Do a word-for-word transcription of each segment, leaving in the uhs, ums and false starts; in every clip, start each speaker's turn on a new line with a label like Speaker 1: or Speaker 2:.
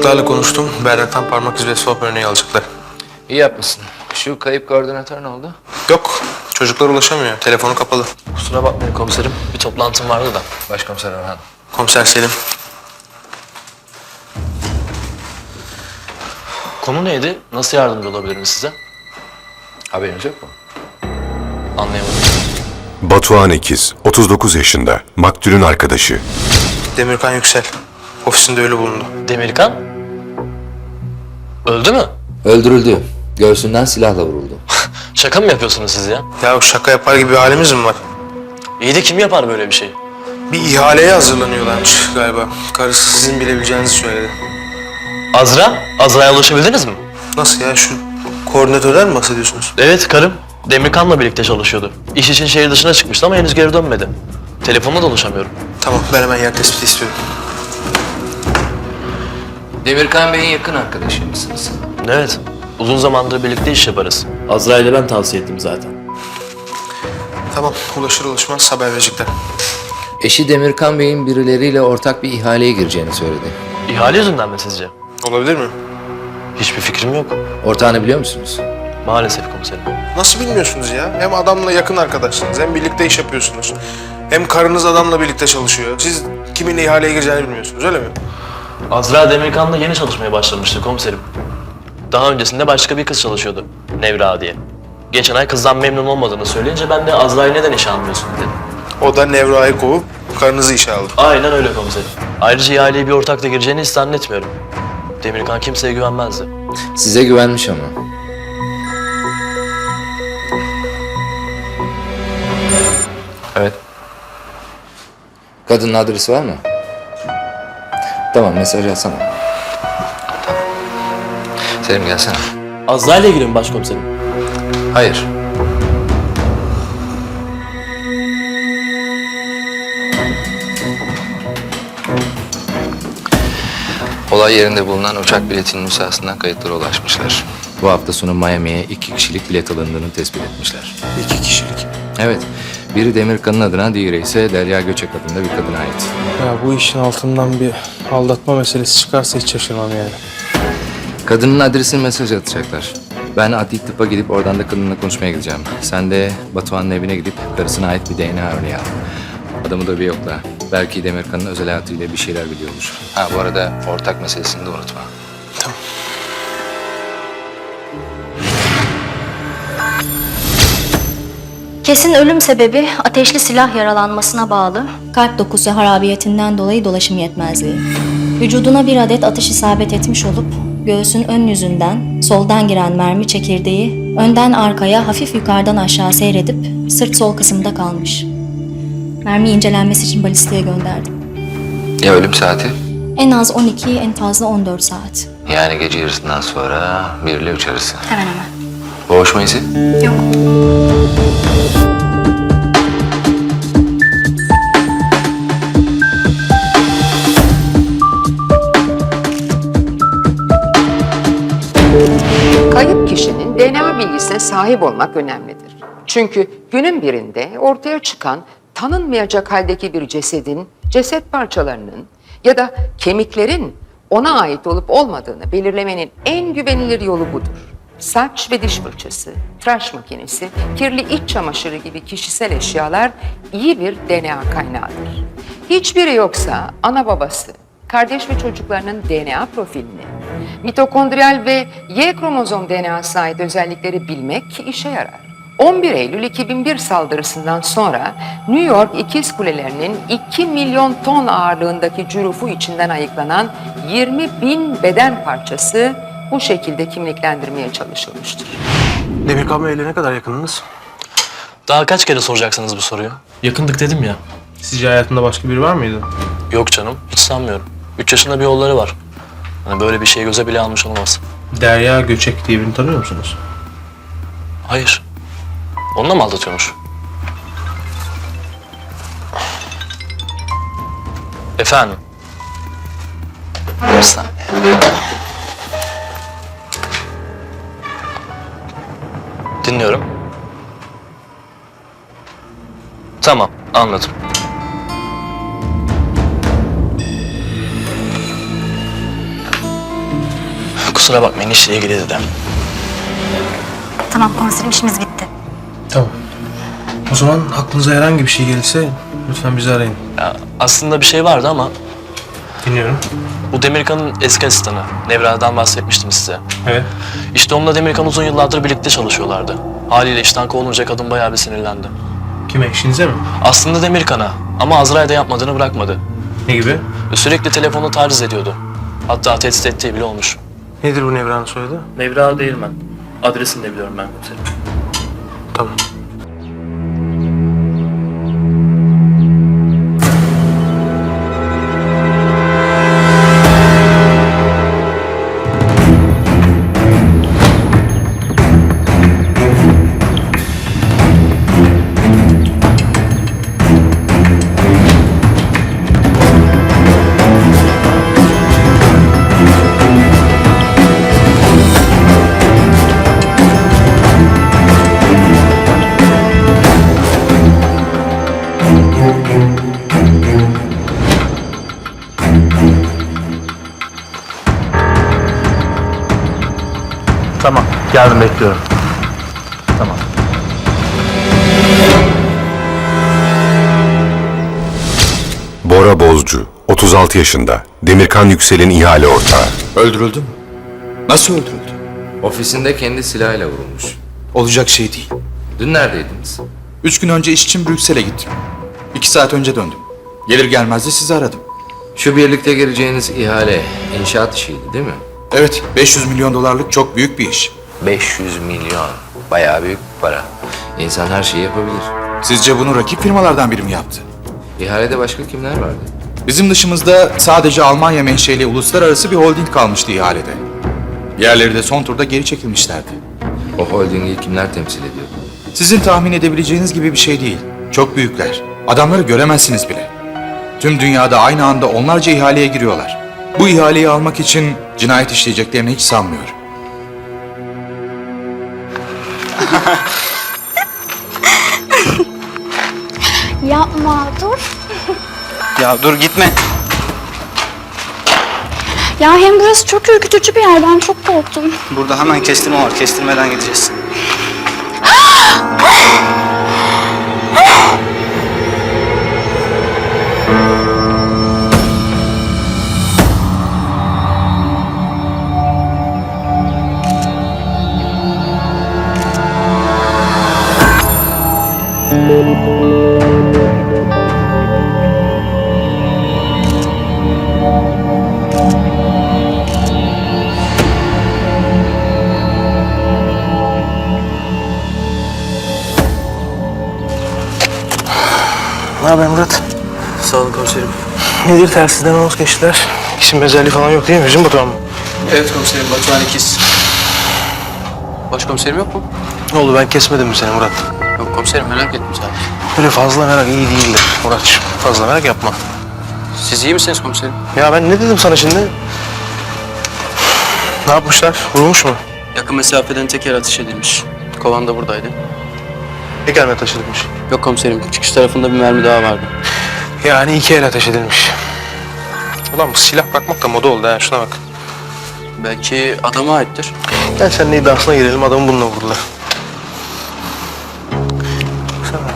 Speaker 1: Çocuklarla konuştum. Berrak'tan parmak izi ve swap örneği alacaklar.
Speaker 2: İyi yapmışsın. Şu kayıp koordinatör ne oldu?
Speaker 1: Yok. Çocuklar ulaşamıyor. Telefonu kapalı.
Speaker 3: Kusura bakmayın komiserim. Bir toplantım vardı da.
Speaker 2: Başkomiser Orhan.
Speaker 1: Komiser Selim.
Speaker 3: Konu neydi? Nasıl yardımcı olabilirim size?
Speaker 2: Haberiniz yok mu?
Speaker 3: Anlayamadım.
Speaker 4: Batuhan İkiz, otuz dokuz yaşında, maktulün arkadaşı.
Speaker 1: Demirkan Yüksel. Ofisinde ölü bulundu.
Speaker 3: Demirkan? Öldü mü?
Speaker 2: Öldürüldü. Göğsünden silahla vuruldu.
Speaker 3: Şaka mı yapıyorsunuz siz ya?
Speaker 1: Ya şaka yapar gibi bir halimiz mi var?
Speaker 3: İyi de kim yapar böyle bir şey?
Speaker 1: Bir ihaleye hazırlanıyorlarmış galiba. Karısı sizin bilebileceğinizi söyledi.
Speaker 3: Azra? Azra'ya ulaşabildiniz mi?
Speaker 1: Nasıl ya? Şu koordinatörden mi bahsediyorsunuz?
Speaker 3: Evet, karım. Demirkan'la birlikte çalışıyordu. İş için şehir dışına çıkmıştı ama henüz geri dönmedi. Telefonla da ulaşamıyorum.
Speaker 1: Tamam, ben hemen yer tespiti istiyorum.
Speaker 2: Demirkan Bey'in yakın arkadaşı mısınız?
Speaker 3: Evet. Uzun zamandır birlikte iş yaparız. Azra ile ben tavsiye ettim zaten.
Speaker 1: Tamam, ulaşır ulaşmaz haber verecekler.
Speaker 2: Eşi Demirkan Bey'in birileriyle ortak bir ihaleye gireceğini söyledi.
Speaker 3: İhale yüzünden mi sizce?
Speaker 1: Olabilir mi?
Speaker 3: Hiçbir fikrim yok.
Speaker 2: Ortağını biliyor musunuz?
Speaker 3: Maalesef komiserim.
Speaker 1: Nasıl bilmiyorsunuz ya? Hem adamla yakın arkadaşsınız, hem birlikte iş yapıyorsunuz. Hem karınız adamla birlikte çalışıyor. Siz kiminle ihaleye gireceğini bilmiyorsunuz, öyle mi?
Speaker 3: Azra Demirkan'la yeni çalışmaya başlamıştı komiserim. Daha öncesinde başka bir kız çalışıyordu. Nevra diye. Geçen ay kızdan memnun olmadığını söyleyince ben de Azra'yı neden işe almıyorsun dedim.
Speaker 1: O da Nevra'yı kovup karınızı işe aldı.
Speaker 3: Aynen öyle komiserim. Ayrıca ihaleye bir ortakla gireceğini hiç zannetmiyorum. Demirkan kimseye güvenmezdi.
Speaker 2: Size güvenmiş ama.
Speaker 3: Evet.
Speaker 2: Kadının adresi var mı? Tamam, mesaj atsana. Selim gelsene.
Speaker 3: Azra ile ilgili mi başkomiserim?
Speaker 2: Hayır. Olay yerinde bulunan uçak biletinin nüshasından kayıtlara ulaşmışlar. Bu hafta sonu Miami'ye iki kişilik bilet alındığını tespit etmişler.
Speaker 1: İki kişilik.
Speaker 2: Evet, biri Demirkan'ın adına, diğeri ise Derya Göçek adında bir kadına ait.
Speaker 1: Ya bu işin altından bir aldatma meselesi çıkarsa hiç şaşırmam yani.
Speaker 2: Kadının adresini mesaj atacaklar. Ben adli tıpa gidip oradan da kadınla konuşmaya gideceğim. Sen de Batuhan'ın evine gidip karısına ait bir D N A örneği al. Adamı da bir yokla. Belki Demirkan'ın özel hayatıyla bir şeyler biliyordur. Ha bu arada ortak meselesini de unutma.
Speaker 1: Tamam.
Speaker 5: Kesin ölüm sebebi ateşli silah yaralanmasına bağlı kalp dokusu harabiyetinden dolayı dolaşım yetmezliği. Vücuduna bir adet atış isabet etmiş olup göğsün ön yüzünden soldan giren mermi çekirdeği önden arkaya hafif yukarıdan aşağı seyredip sırt sol kısımda kalmış. Mermi incelenmesi için balistiğe gönderdim.
Speaker 2: Ya ölüm saati?
Speaker 5: En az on iki, en fazla on dört saat.
Speaker 2: Yani gece yarısından sonra bir ile üç arası.
Speaker 5: Hemen hemen.
Speaker 2: Boğuşma izi?
Speaker 5: Yok.
Speaker 6: Kayıp kişinin D N A bilgisine sahip olmak önemlidir. Çünkü günün birinde ortaya çıkan tanınmayacak haldeki bir cesedin, ceset parçalarının ya da kemiklerin ona ait olup olmadığını belirlemenin en güvenilir yolu budur. Saç ve diş fırçası, tıraş makinesi, kirli iç çamaşırı gibi kişisel eşyalar iyi bir D N A kaynağıdır. Hiçbiri yoksa ana babası, kardeş ve çocuklarının D N A profilini, mitokondriyal ve Y kromozom D N A'sına ait özellikleri bilmek işe yarar. on bir Eylül iki bin bir saldırısından sonra New York İkiz Kulelerinin iki milyon ton ağırlığındaki cürufu içinden ayıklanan yirmi bin beden parçası bu şekilde kimliklendirmeye çalışılmıştır.
Speaker 1: Demirkan Bey'le ne kadar yakınınız?
Speaker 3: Daha kaç kere soracaksınız bu soruyu? Yakındık dedim ya.
Speaker 1: Sizce hayatında başka biri var mıydı?
Speaker 3: Yok canım, hiç sanmıyorum. Üç yaşında bir oğulları var. Hani böyle bir şey göze bile almış olmaz.
Speaker 1: Derya Göçek diye birini tanıyor musunuz?
Speaker 3: Hayır. Onunla mı aldatıyormuş? Efendim? Bir saniye. Dinliyorum. Tamam, anladım. kusura bakmayın işle ilgili dedi.
Speaker 7: Tamam komiserim, işimiz bitti.
Speaker 1: Tamam. O zaman aklınıza herhangi bir şey gelirse lütfen bizi arayın.
Speaker 3: Ya, aslında bir şey vardı ama
Speaker 1: Dinliyorum.
Speaker 3: bu Demirkan'ın eski asistanı. Nevra'dan bahsetmiştim size.
Speaker 1: Evet.
Speaker 3: İşte onunla Demirkan uzun yıllardır birlikte çalışıyorlardı. Haliyle işten kovulunca kadın bayağı bir sinirlendi.
Speaker 1: Kime? Eşinize mi?
Speaker 3: Aslında Demirkan'a ama Azra'yı da yapmadığını bırakmadı.
Speaker 1: Ne gibi?
Speaker 3: Ve sürekli telefonu taciz ediyordu. Hatta tehdit ettiği bile olmuş.
Speaker 1: Nedir bu Nevra'nın soyadı?
Speaker 3: Nevra Değirmen. Adresini de biliyorum ben komiserim.
Speaker 1: Tamam.
Speaker 3: Tamam, yarın bekliyorum. Tamam.
Speaker 4: Bora Bozcu, otuz altı yaşında, Demirkan Yüksel'in ihale ortağı.
Speaker 8: Öldürüldü mü? Nasıl öldürüldü?
Speaker 2: Ofisinde kendi silahıyla vurulmuş.
Speaker 8: Olacak şey değil.
Speaker 2: Dün neredeydiniz?
Speaker 8: Üç gün önce iş için Brüksel'e gittim. İki saat önce döndüm. Gelir gelmez de sizi aradım.
Speaker 2: Şu birlikte gireceğiniz ihale inşaat işiydi değil mi?
Speaker 8: Evet, beş yüz milyon dolarlık çok büyük bir iş.
Speaker 2: beş yüz milyon. Bayağı büyük bir para. İnsan her şeyi yapabilir.
Speaker 8: Sizce bunu rakip firmalardan biri mi yaptı?
Speaker 2: İhalede başka kimler vardı?
Speaker 8: Bizim dışımızda sadece Almanya menşeli uluslararası bir holding kalmıştı ihalede. Diğerleri de son turda geri çekilmişlerdi.
Speaker 2: O holdingi kimler temsil ediyordu?
Speaker 8: Sizin tahmin edebileceğiniz gibi bir şey değil. Çok büyükler. Adamları göremezsiniz bile. Tüm dünyada aynı anda onlarca ihaleye giriyorlar. Bu ihaleyi almak için cinayet işleyeceklerini hiç sanmıyorum.
Speaker 7: Yapma, dur.
Speaker 9: Ya dur gitme.
Speaker 7: Ya hem burası çok ürkütücü bir yer, ben çok korktum.
Speaker 9: Burada hemen kestirme var. Kestirmeden gideceğiz.
Speaker 1: Ne haber Murat?
Speaker 3: Sağ olun komiserim.
Speaker 1: Nedir telsizden anons geçtiler? İsim özelliği falan yok değil mi? Bizim Batuhan mı?
Speaker 9: Evet komiserim, Batuhan ikiz. Başkomiserim yok mu?
Speaker 1: Ne oldu, ben kesmedim mi seni Murat?
Speaker 9: Yok komiserim, merak ettim sadece.
Speaker 1: Böyle fazla merak iyi değildir Muratçığım. Fazla merak yapma.
Speaker 9: Siz iyi misiniz komiserim?
Speaker 1: Ya ben ne dedim sana şimdi? Ne yapmışlar? Vurulmuş mu?
Speaker 9: Yakın mesafeden teker atış edilmiş. Kovan da buradaydı.
Speaker 1: Teker mi ateş edilmiş?
Speaker 9: Yok komiserim, çıkış tarafında bir mermi daha vardı.
Speaker 1: Yani iki el ateş edilmiş. Ulan bu silah bakmak da moda oldu ha, şuna bak.
Speaker 9: Belki adama aittir.
Speaker 1: Gel seninle iddiasına girelim, adamı bununla vurdular. Baksana.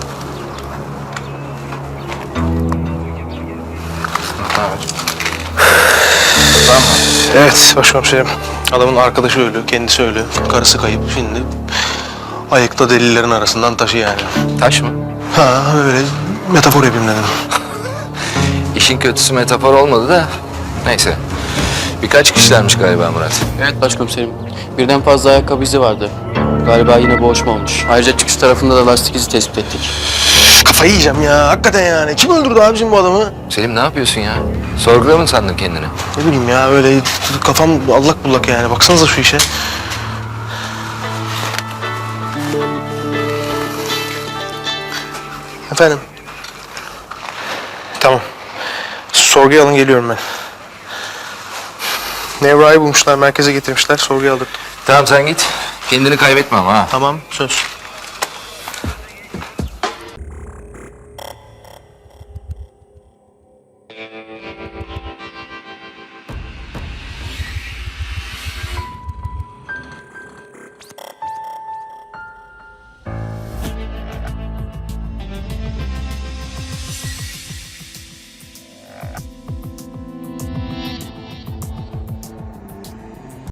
Speaker 1: Tamam. Evet başkomiserim. Adamın arkadaşı ölü, kendisi ölü, karısı kayıp. Şimdi ayıkta delillerin arasından taşı yani.
Speaker 2: Taş mı?
Speaker 1: Ha öyle metafor yapayım dedim.
Speaker 2: İşin kötüsü metafor olmadı da neyse. Birkaç kişilermiş galiba Murat.
Speaker 9: Evet başkomiserim. Birden fazla ayakkabı izi vardı. Galiba yine boğuşma olmuş. Ayrıca çıkış tarafında da lastik izi tespit ettik.
Speaker 1: Kafayı yiyeceğim ya hakikaten yani. Kim öldürdü abicim bu adamı?
Speaker 2: Selim ne yapıyorsun ya? Sorgula mı sandın kendini?
Speaker 1: Ne bileyim ya öyle kafam allak bullak yani. Baksanıza şu işe. Efendim? Tamam. Sorguya alın, geliyorum ben. Nevra'yı bulmuşlar, merkeze getirmişler. Sorguya aldık.
Speaker 2: Tamam sen git. Kendini kaybetme ama ha.
Speaker 1: Tamam, söz.